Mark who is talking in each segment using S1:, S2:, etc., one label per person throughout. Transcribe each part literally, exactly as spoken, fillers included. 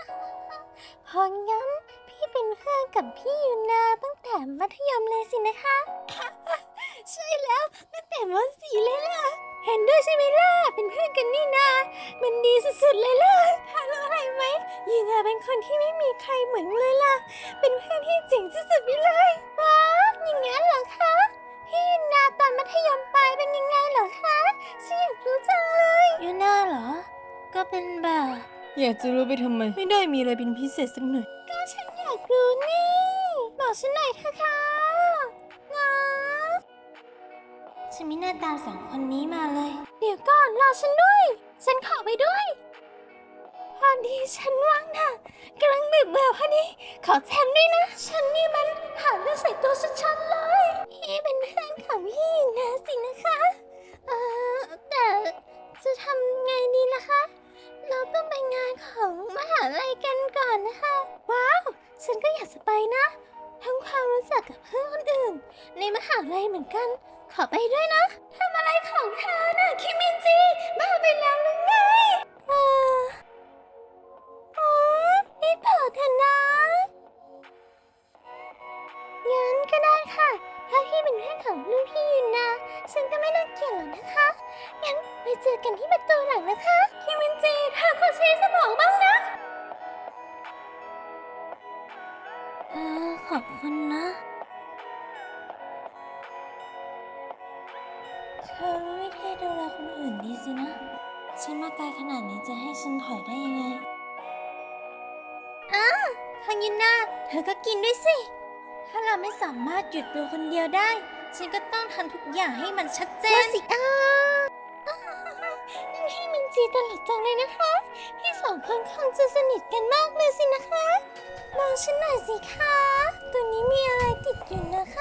S1: พองั้นพี่เป็นเพื่อนกับพี่ยูนาตั้งแต่มัธยมเลยสินะคะ ใช่แล้วตั้งแต่ม .สี่ เลยล่ะเห็นด้วยใช่ไหมล่ะเป็นเพื่อนกันนี่นามันดีสุดๆเลยล่ะถ้ารู้อะไรไหมยูนาเป็นคนที่ไม่มีใครเหมือนเลยล่ะเป็นเพื่อนที่เจ๋งสุดๆไปเลยว้าวอย่างงั้นเหรอคะพี่ยูนาตอนมัธยมปลายเป็นยังไงเหรอคะฉันอยากรู้จังเลยยูนาเหรอก็เป็นแบบ
S2: อยากจะรู้ไปทำไมไม่ได้มีอะไรเป็นพิเศษสักหน่อย
S1: ก็ฉันอยากรู้นี่บอกฉันหน่อยเถอะค่ะนะฉันไม่น่าตามสองคนนี้มาเลยเดี๋ยวก่อนรอฉันด้วยฉันขอไปด้วยพอดีฉันว่างนะกำลังดึกเบื่อพอดีขอแทนด้วยนะฉันนี่มันหาเรื่องใส่ตัวชัดๆเลยพี่เป็นเพื่อนของพี่นะสินะคะเอ่อแต่จะทำไงดีล่ะคะเราต้องไปงานของมหาลัยกันก่อนนะคะว้าวฉันก็อยากจะไปนะทำความรู้จักกับเพื่อนคนอื่นในมหาลัยเหมือนกันขอไปด้วยนะทำอะไรของเธอน่ะคิมินจิบ้าไปแล้วหรือไงเอออ๋อนี่เธอเถอะนะงั้นก็ได้ค่ะถ้าพี่เป็นเพื่อนของรุ่นพี่ยูนาฉันก็ไม่น่าเกลียดหรอกนะคะงั้นไปเจอกันที่ประตูหลังนะคะคิมินจิเธอควรใช้สมองบ้างนะเออขอบคุณนะเธอรู้วิธีดูแลคนอื่นดีสินะฉันมาไกลขนาดนี้จะให้ฉันถอยได้ยังไงอ้าคังยินนาเธอก็กินด้วยสิถ้าเราไม่สามารถหยุดตัวคนเดียวได้ฉันก็ต้องทำทุกอย่างให้มันชัดเจนสิอ้าพี่มินจีตลกจังเลยนะคะพี่สองคนคงจะสนิทกันมากเลยสินะคะมองฉันหน่อยสิคะตัวนี้มีอะไรติดอยู่นะคะ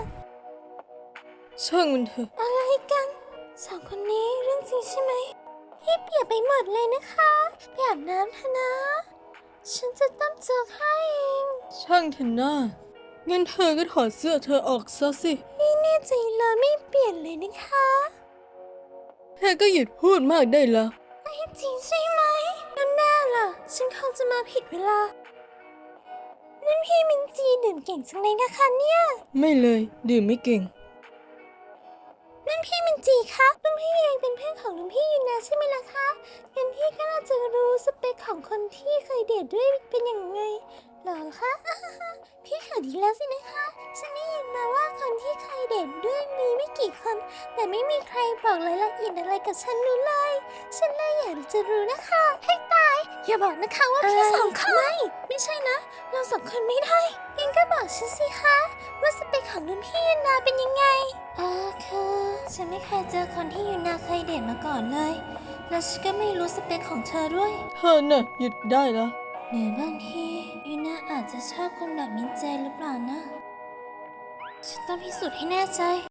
S2: ช่างมันเถอะ
S1: อะไรกันสองคนนี้เรื่องจริงใช่ไหมพี่เปียกไปหมดเลยนะคะไปอาบน้ำเถอะนะฉันจะต้มโจ๊กให้เอง
S2: ช่างเถอะนะงั้นเธอก็ถอดเสื้อเธอออกซะสิ
S1: พี่แน่ใจเลยไม่เปลี่ยนเลยนะคะ
S2: เธอก็หยุดพูดมากได้แล้ว
S1: ไม่จริงใช่ไหมแล้วแน่ล่ะฉันคงจะมาผิดเวลานั่นพี่มินจีดื่มเก่งจังเลยนะคะเนี่ย
S2: ไม่เลยดื่มไม่เก่ง
S1: นั่นพี่มินจีคะรุ่นพี่เองเป็นเพื่อนของรุ่นพี่ยูนาใช่ไหมล่ะคะงั้นพี่ก็น่าจะรู้สเปคของคนที่เคยเดทด้วยเป็นยังไงหรอคะ พี่ข่าวดีแล้วสินะคะฉันได้ยินมาว่าคนที่เคยเดทด้วยมีไม่กี่คนแต่ไม่มีใครบอกรายละเอียดอะไรกับฉันรู้เลยฉันเลยอยากจะรู้นะคะให้ตายอย่าบอกนะคะว่าพี่สองคนไม่ไม่ใช่นะเราสองคนไม่ได้งั้นก็บอกฉันสิคะว่าสเปคของรุ่นพี่ยูนาเป็นยังไงเออคือฉันไม่เคยเจอคนที่ยูนาเคยเดทมาก่อนเลยและฉันก็ไม่รู้สเปคของเธอด้วย
S2: เธอน่ะหยุดได้แล้ว
S1: หรือบางทียูนาอาจจะชอบคนแบบมินเจหรือเปล่านะฉันต้องพิสูจน์ให้แน่ใจ